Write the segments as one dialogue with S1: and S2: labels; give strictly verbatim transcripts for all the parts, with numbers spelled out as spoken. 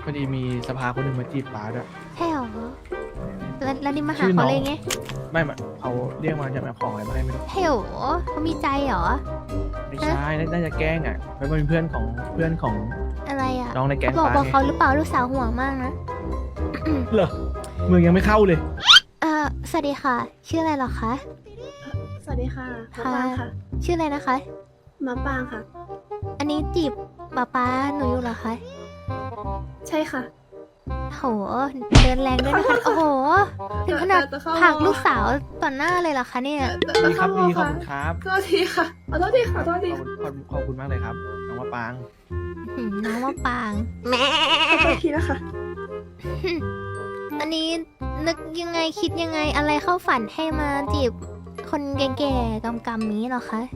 S1: พอดีมีสภาคนหนึ่งมาจีบป้าด้วย
S2: ใช่หรอแล้วแล้วนี่มาหาเขาเลยไง
S1: ไม่มาเขาเรียกมาจะมาของอะไรมาให้ไม่รู้
S2: ใช่หรอเขามีใจหรอ
S1: ไม่ใช่น่าจะแกล้งอ่ะเป็นเพื่อนของเพื่อนของ
S2: อะไรอ่ะ
S1: น้องในแก๊ง
S2: บอก
S1: ป้า
S2: บอกเขาหรือเปล่าลูกสาวห่วงมากนะ
S1: เหรอเมืองยังไม่เข้าเลย
S2: เอ่อสวัสดีค่ะชื่ออะไรหรอคะ
S3: สวัสดีค่ะมาปางค่ะ
S2: ชื่ออะไรนะคะ
S3: มาปางค่ะ
S2: อันนี้จีบป้าป้าหนูอยู่เหรอคะ
S3: ใช่ค่ะ
S2: โหเดินแรงด้วยนะคะโอ้โหถึงขนาดผลักลูกสาวต่อหน้าเลยเหรอคะเนี่ย
S1: ดีครับดีขอบคุณครับ
S3: โทษทีค่ะขอโทษทีค่ะโทษที
S1: ขอบคุณมากเลยครับน้องมะปาง
S2: น้องมะปางแม่
S3: ขอโทษทีนะคะ
S2: อันนี้นึกยังไงคิดยังไงอะไรเข้าฝันให้มาจีบคนแก่ๆกำๆนี้เหรอคะ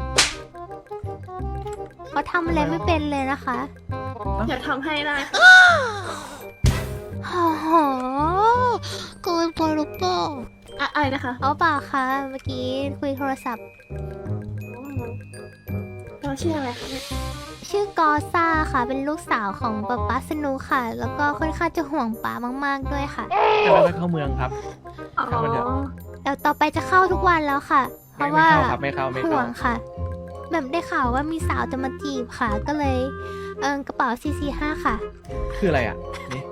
S2: เขาทำอะไรไม่เป็นเลยนะคะ
S3: อยากทำให้ได้
S2: โอ้โหเกินไปหรือเปล่า
S3: อะไรนะคะ
S2: เอาเปล่าคะเมื่อกี้คุยโทรศัพท์
S3: เราชื่ออะไรคะเนี่ย
S2: ชื่อกอซ่าค่ะเป็นลูกสาวของป๊าป๊าสนุค่ะ แล้วก็ค่อนข้างจะห่วงป๊ามากๆด้วยค่ะ
S1: จะไปเข้าเมืองครับ
S3: อ๋อ
S2: เดี๋ยวต่อไปจะเข้าทุกวันแล้วค่ะเพราะว่า
S1: ไม่เข้าไม่
S2: ห่วงค่ะแบบได้ข่าวว่ามีสาวจะมาจีบค่ะก็เลยเออกระเป๋าสี่สี่ห้าค่ะ
S1: คืออะไรอ่ะนี่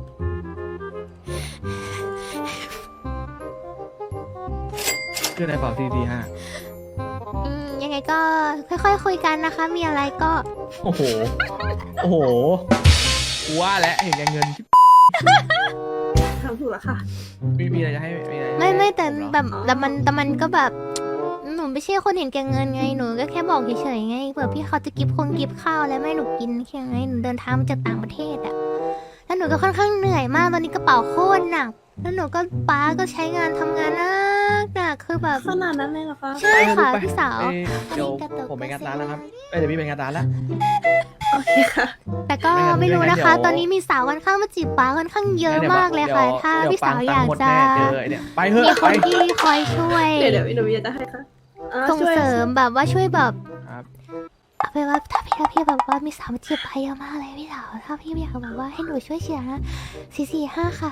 S1: คือในกระเป๋าสี่สี่ห้า
S2: อืมยังไงก็ค่อยๆคุยกันนะคะมีอะไรก็
S1: โอ้โหโอ้โหว่าแล้วเห็นแกเงิน
S3: ทำถูกแล้วค่ะ
S1: มีมีอะไรจะให้
S2: ไม่ไม่แต่แบบแต่มันแต่มันก็แบบหนูไม่ใช่คนเห็นแก่เงินไงหนูก็แค่บอกเฉยๆไงเผื่อพี่เขาจะกิฟคงกิฟข้าวแล้วไม่หนูกินแค่ไงหนูเดินทางมาจากต่างประเทศอะแล้วหนูก็ค่อนข้างเหนื่อยมากตอนนี้กระเป๋าโคตรหนักแล้วหนูก็ป้าก็ใช้งานทำงานหนักหนักคือแบบ
S3: ขนาดนั้นเลยเหรอคะ
S2: ใช่ค่ะพี่สาว
S1: เดี๋ยวผมไปงานร้านแล้วครับเดี๋ยวพี่ไปงานร้านแล้ว
S3: โอเคค่ะ
S2: แต่ก็ไม่รู้นะคะตอนนี้มีสาวค่อนข้างมาจีบป้าค่อนข้างเยอะมากเลยค่ะถ้าพี่สาวอยากจะมีคนที่คอยช่วย
S3: เดี๋ยวเดี๋ยวหนูจะให้ค่ะ
S2: ส่งเสริมแบบว่าช่วยแบบเอาไปว่าถ้าพี่ถ้าพี่แบบว่ามีสาวมาจีบไปเยอะมากเลยพี่สาวถ้าพี่อยากแบบว่าให้หนูช่วยเชียร์นะสี่สี่ห้าค่ะ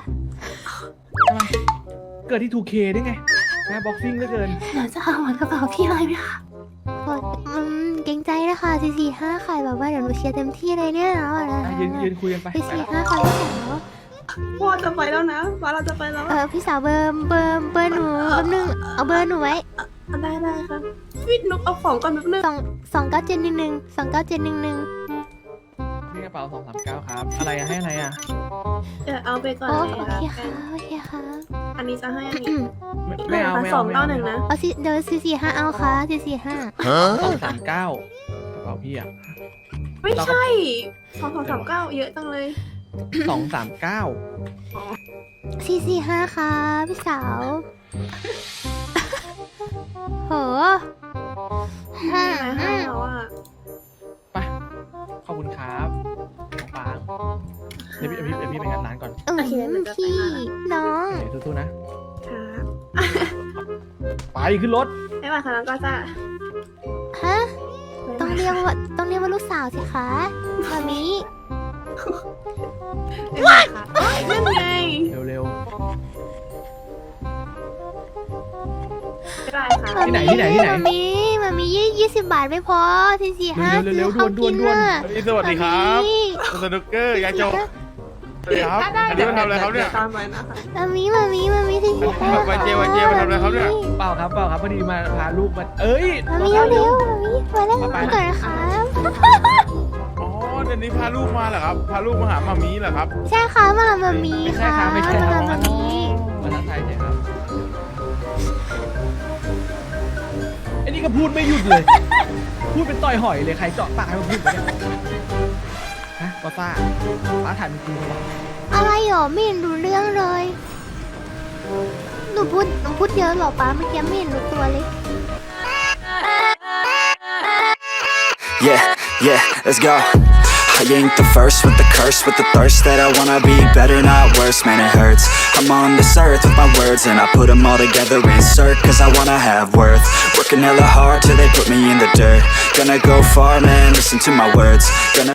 S1: เกิดที่ ทู เค ได้ไงนะบ็อกซิ่งเหลือเกิน
S3: หนูจะเอาเหมือนกระเป๋าพี่เลยไหมคะ
S2: อืมเกรงใจนะคะสี่สี่ห้าค่ะแบบว่าเดี๋ยวหนูเชียร์เต็มที่เลยเนี่ยนะ
S1: ยืนยืนคุยกันไป
S2: สี่สี่ห้าค่ะพี่สาว
S3: พ่อจะไปแล้วนะว่าเราจะไปแล้ว
S2: เออพี่สาวเบอร์เบอร์เบอร์หนูแป๊บนึงเอาเบอร์หนูไว้
S3: ได้ได้ค่ะวิทนุกเอาของก่อนแป๊บนึง
S2: สองสองเก้าเจ็ดหนึ่งหนึ่งสองเก้าเจ็ดหนึ่งหนึ่ง
S1: นี่กระเป๋าสองสามเก้าครับอะไรให้อะไรอ่ะ
S3: เดี๋ยวเอาไปก่อน
S2: เลยโอเคค่ะโอเคค่ะ
S3: อันนี้จะให้อันนี้
S1: ไม่เอาไม่
S3: เอาสองเก้าหนึ่งนะ
S2: เอาสิเดี๋ยวสี่สี่ห้าเอาค่ะสี่สี่ห้า
S1: สองสามเก้ากระเป๋าพี่อ่ะ
S3: ไม่ใช่สองสองสามเก้าเยอะจังเลย
S1: สองสามเก้า
S2: สี่สี่ห้าค่ะพี่สาวโห
S3: ห้าห้าแล้วอ่ะ
S1: ไปขอบคุณครับน้องปางเดี๋ยวพี่เดี๋ยวพี่ไปงานร้านก่อน
S2: เออพี่น้อง
S1: สู้ๆนะไปขึ้นรถ
S3: ไม่มาค่ะน้องก็จะ
S2: ฮะต้องเรียกว่าต้องเรียกว่าลูกสาวสิคะมามิ
S3: ว้านั่นไง
S1: เร็ว
S2: ที่ไหนที่ไหนที่ไหนมามีมามียี่ยี่สิบบาทไม่พอที่สี่ห้าซื้อเขากินน่ะ
S4: สวัสดีครับสนุกเกอร์ยายโจสวัสดีครับอันนี้มาทำอะไรครับเนี่ย
S2: มามีมามีมามีที่สี่ห้า
S4: วันเจวันเจมาทำอะไรครับเนี่ย
S1: เปล่าครับเปล่าครับพอดีมาพาลูกมาเอ้ย
S2: มามีเร็วมามีมาแล้วมาก่อนนะครับ
S4: อ๋อเดี๋ยวนี้พาลูกมาเหรอครับพาลูกมาหามามีเหรอครับ
S2: ใช่ค่ะมามามีค่ะ
S1: ไม่ใช่
S2: ค่ะมามี
S1: มาทักทายใช่ครับไอ้นี่ก็พูดไม่หยุดเลยพูดเป็นต่อยหอยเลยใครเจาะปากให้มันพูดไปเนี่ยฮะก็ซ่าป้าถ่ายมันจริงหรอ
S2: อะไรหรอไม่เห็นรู้เรื่องเลยหนูพูดหนูพูดเยอะหรอป้าเมื่อกี้ไม่เห็นรู้ตัวเลย
S5: Yeah yeah let's go I ain't the first with the curse, with the thirst that I wanna be better, not worse, man it hurts. I'm on this earth with my words and I put them all together, insert, cause I wanna have worth. Working hella hard till they put me in the dirt. Gonna go far, man, listen to my words. Gonna